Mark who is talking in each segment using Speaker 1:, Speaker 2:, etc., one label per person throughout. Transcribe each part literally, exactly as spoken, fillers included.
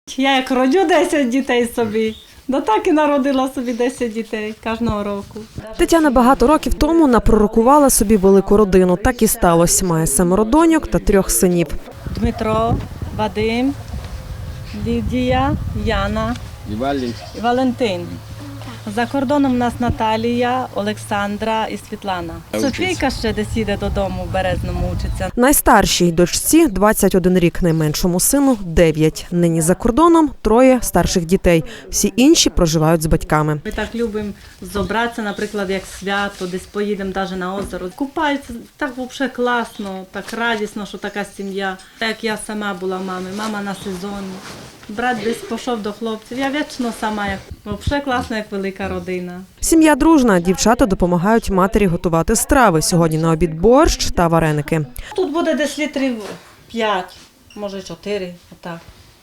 Speaker 1: Я як родю десять дітей собі, да так і народила собі десять дітей кожного року.
Speaker 2: Тетяна багато років тому напророкувала собі велику родину. Так і сталося. Має семеро доньок та трьох синів.
Speaker 1: Дмитро, Вадим, Лідія, Яна і Валентин. За кордоном у нас Наталія, Олександра і Світлана. Софійка ще десь їде додому, в Березному учиться.
Speaker 2: Найстаршій дочці двадцять один рік, найменшому сину дев'ять. Нині за кордоном троє старших дітей. Всі інші проживають з батьками.
Speaker 1: Ми так любимо зібратися, наприклад, як свято, десь поїдемо навіть на озеро. Купаються, так взагалі класно, так радісно, що така сім'я. Так як я сама була мамою, мама на сезоні. Брат десь пішов до хлопців. Я вічно сама, як взагалі класна, як велика родина.
Speaker 2: Сім'я дружна. Дівчата допомагають матері готувати страви. Сьогодні на обід борщ та вареники.
Speaker 1: Тут буде десь літрів п'ять, може чотири, отак.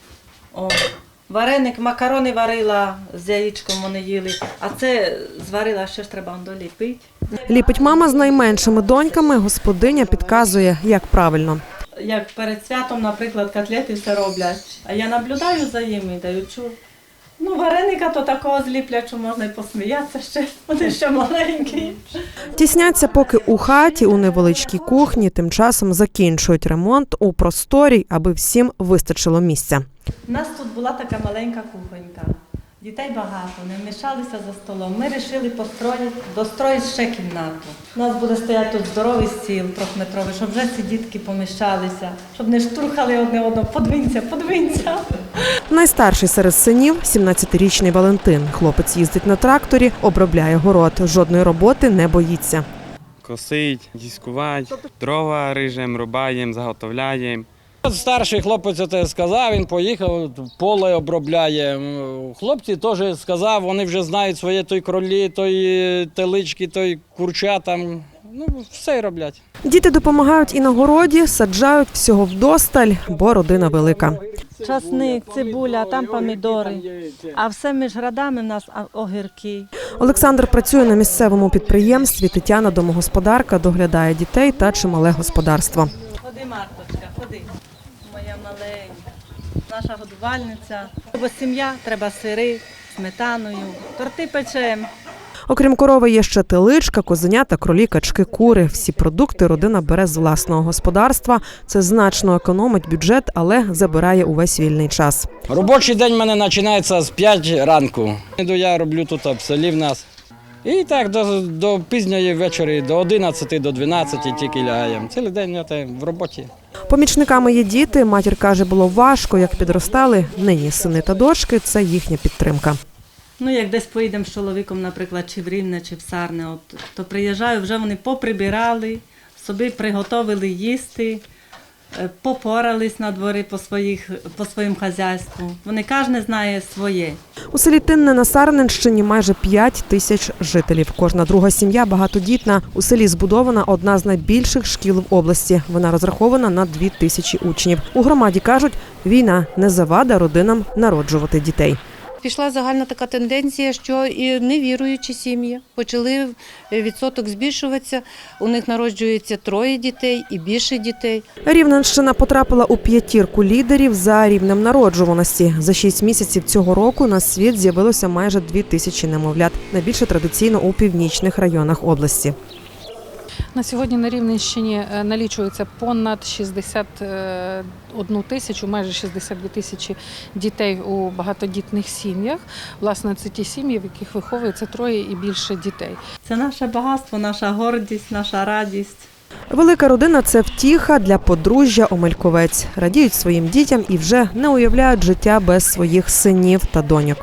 Speaker 1: О. Вареник, макарони варила, з яєчком вони їли, а це зварила, ще ж треба доліпити.
Speaker 2: Ліпить мама з найменшими доньками. Господиня підказує, як правильно.
Speaker 1: Як перед святом, наприклад, котлети все роблять, а я наблюдаю за ними, даючу. Ну, вареника то такого зліплять, що можна і посміятися ще, вони ще маленькі.
Speaker 2: Тісняться поки у хаті, у невеличкій кухні, тим часом закінчують ремонт у просторі, аби всім вистачило місця.
Speaker 1: У нас тут була така маленька кухонька. Дітей багато, не вмішалися за столом. Ми вирішили построїти, достроїти ще кімнату. У нас буде стояти тут здоровий стіл трьохметровий, щоб вже ці дітки поміщалися, щоб не штурхали одне одного. Подвинься, подвинься.
Speaker 2: Найстарший серед синів – сімнадцятирічний Валентин. Хлопець їздить на тракторі, обробляє город. Жодної роботи не боїться.
Speaker 3: Косить, дискувати, дрова рижем, рубаємо, заготовляємо.
Speaker 4: Старший хлопець це сказав, він поїхав, поле обробляє. Хлопці теж сказав, вони вже знають своє той кролі, той телички, той курча там, ну все роблять.
Speaker 2: Діти допомагають і на городі, саджають всього вдосталь, бо родина велика.
Speaker 1: Часник, цибуля, там помідори, а все між градами в нас огірки.
Speaker 2: Олександр працює на місцевому підприємстві, Тетяна – домогосподарка, доглядає дітей та чимале господарство.
Speaker 1: Ходи, Марточка, ходи. Моя маленька, наша годувальниця. Бо сім'я, треба сири, сметаною, торти печемо.
Speaker 2: Окрім корови є ще теличка, козенята, кролі, качки, кури. Всі продукти родина бере з власного господарства. Це значно економить бюджет, але забирає увесь вільний час.
Speaker 4: Робочий день в мене починається з п'ятої ранку. Я роблю тут в селі в нас. І так до, до пізньої вечора, до одинадцяти, до дванадцяти тільки лягаємо. Цілий день я в роботі.
Speaker 2: Помічниками є діти. Матір каже, було важко, як підростали. Нині сини та дочки – це їхня підтримка.
Speaker 1: Ну, як десь поїдемо з чоловіком, наприклад, чи в Рівне, чи в Сарне, от, то приїжджаю, вже вони поприбирали, собі приготовили їсти, попорались на дворі по, своїх, по своїм хазяйству. Вони кожен знає своє.
Speaker 2: У селі Тинне на Сарненщині майже п'ять тисяч жителів. Кожна друга сім'я багатодітна. У селі збудована одна з найбільших шкіл в області. Вона розрахована на дві тисячі учнів. У громаді кажуть, війна не завада родинам народжувати дітей.
Speaker 5: Пішла загальна така тенденція, що і невіруючі сім'ї почали відсоток збільшуватися, у них народжується троє дітей і більше дітей.
Speaker 2: Рівненщина потрапила у п'ятірку лідерів за рівнем народжуваності. За шість місяців цього року на світ з'явилося майже дві тисячі немовлят, найбільше традиційно у північних районах області.
Speaker 6: На сьогодні на Рівненщині налічується понад шістдесят одну тисячу, майже шістдесят дві тисячі дітей у багатодітних сім'ях. Власне, це ті сім'ї, в яких виховується троє і більше дітей.
Speaker 1: Це наше багатство, наша гордість, наша радість.
Speaker 2: Велика родина – це втіха для подружжя Омельковець. Радіють своїм дітям і вже не уявляють життя без своїх синів та доньок.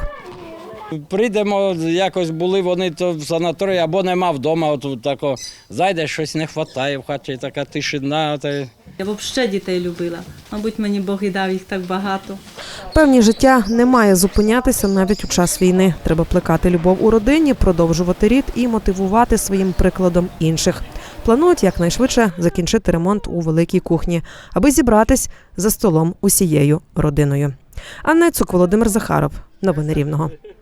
Speaker 4: Прийдемо, якось були вони то в санаторії або нема вдома, от тако зайдеш, щось не вистачає в хаті, така тишина. Та...
Speaker 1: Я взагалі дітей любила. Мабуть, мені Бог і дав їх так багато.
Speaker 2: Певні життя не має зупинятися навіть у час війни. Треба плекати любов у родині, продовжувати рід і мотивувати своїм прикладом інших. Планують якнайшвидше закінчити ремонт у великій кухні, аби зібратись за столом усією родиною. Анна Цук, Володимир Захаров. Новини Рівного.